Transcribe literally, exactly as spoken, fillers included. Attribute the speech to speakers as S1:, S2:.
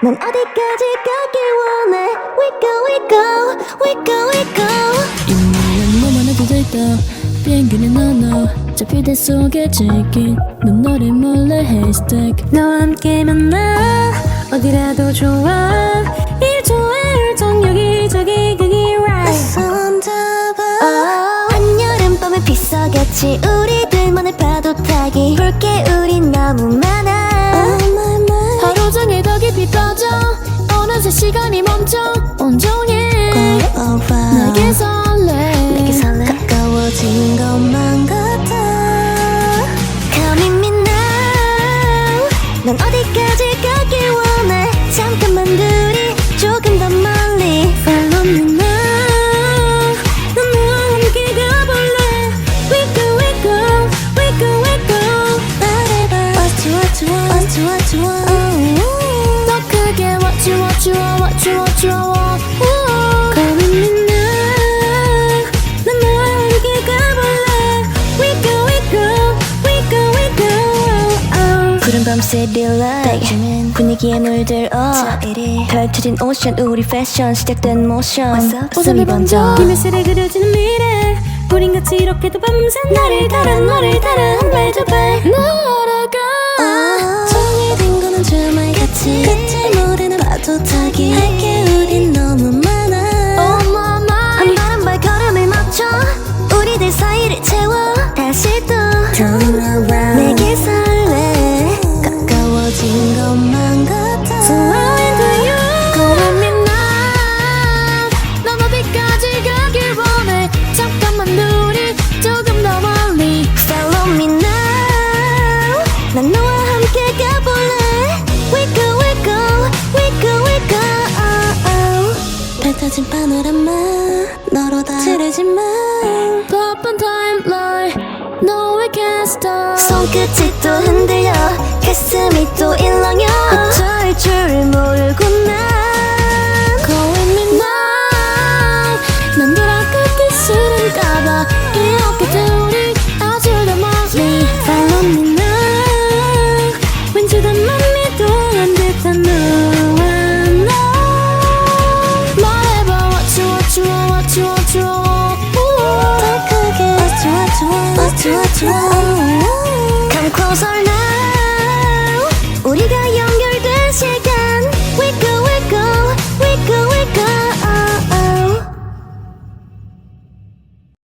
S1: 넌 어디까지 가길 원해. We go, we go, we go, we go.
S2: 이미는 너만 해도 됐다. 비행기는 너너 잡히대 속에 지킨 눈너리 몰래 haystack.
S1: 너와 함께 만나 어디라도 좋아. 일조일 정 여기저기 그게 right. 손 잡아. oh. 한여름밤에 빗속같이 우리들만의 파도 타기. 볼게 우린 너무 많아. oh, my, my.
S2: 하루 종일 더 깊이 빠져 어느새 시간이 멈춰 온종일 내게 설레
S1: 내게 설레. 가까워진 것만 같아. Come with me now. 넌 어디까지 가길 원해. 잠깐만 둘이 조금 더 멀리. Follow me now. 넌 나와 함께 가볼래. We go, we go, we go, we go. 말해봐. What you want, you want, what you want, you want.
S2: 더 크게 what you what you want what you what you want.
S1: Come with me now. 넌 나와 함께 가볼래. We go, we go, we go, we go. oh. 푸른 밤새 릴라이트 분위기에 물들어 펼쳐진 오션 우리 패션 시작된 모션. 웃음이 번져 김일세를 그려지는 미래. 우린 같이 이렇게도 밤새 나를 따라 너를 따라 한 발 두 발
S2: 날아가
S1: 정해진 거는 주말같이 끝을 모르는 파도 타기. 할게 우린 너무 많아.
S2: Oh my
S1: 한
S2: mind.
S1: 발 한 발 걸음을 맞춰 우리들 사이를 채워. 다시 또 Turn around. 내게 설레. 가까워진 것만 같아. So I'm into you.
S2: Come with me now. 넌 어디까지 가길 원해. 잠깐만 우리 조금 더 멀리.
S1: Follow me now. 난 너와 함께 가볼래. We go, we go, we go, we go. oh, oh. 펼쳐진 파노라마 너로 다 칠해지만
S2: 바쁜 타임라인 No we can't stop.
S1: 손끝이 또 흔들려 가슴이 또 일렁여. 어쩔 줄 모르고 나